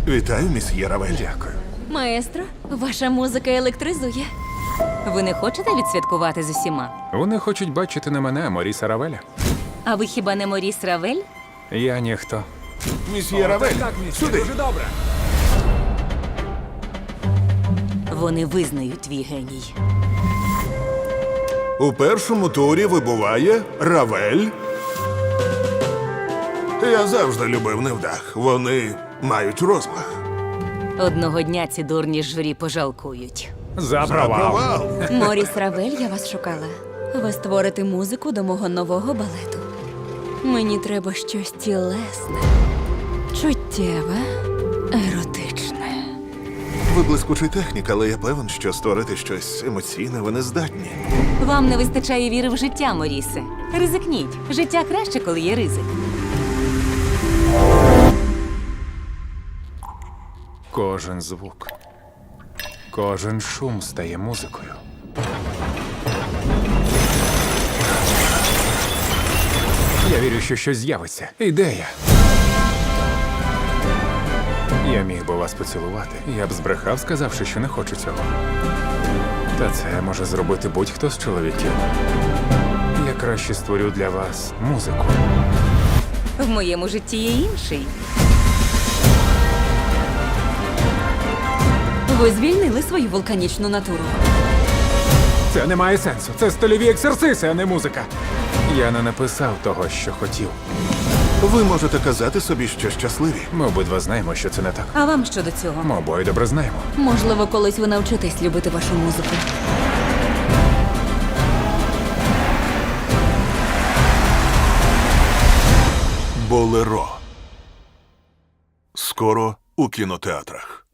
Вітаю, місьє Равель. Дякую. Маестро, ваша музика електризує. Ви не хочете відсвяткувати з усіма? Вони хочуть бачити не мене, а Моріса Равеля. А ви хіба не Моріс Равель? Я ніхто. Місьє Равель, сюди. Вони визнають твій геній. У першому турі вибуває Равель. Я завжди любив невдах. Вони мають розмах. Одного дня ці дурні журі пожалкують. За провал. Провал. Моріс Равель, я вас шукала. Ви створите музику до мого нового балету. Мені треба щось тілесне, чуттєве, еротичне. Ви блискучий технік, але я певен, що створити щось емоційне ви не здатні. Вам не вистачає віри в життя, Морісе. Ризикніть. Життя краще, коли є ризик. Кожен звук, кожен шум стає музикою. Я вірю, що щось з'явиться. Ідея. Я міг би вас поцілувати. Я б збрехав, сказавши, що не хочу цього. Та це може зробити будь-хто з чоловіків. Я краще створю для вас музику. В моєму житті є інший. Ви звільнили свою вулканічну натуру. Це не має сенсу. Це стильові ексерциси, а не музика. Я не написав того, що хотів. Ви можете казати собі, що щасливі. Ми обидва знаємо, що це не так. А вам що до цього? Ми обоє добре знаємо. Можливо, колись ви навчитесь любити вашу музику. Болеро. Скоро у кінотеатрах.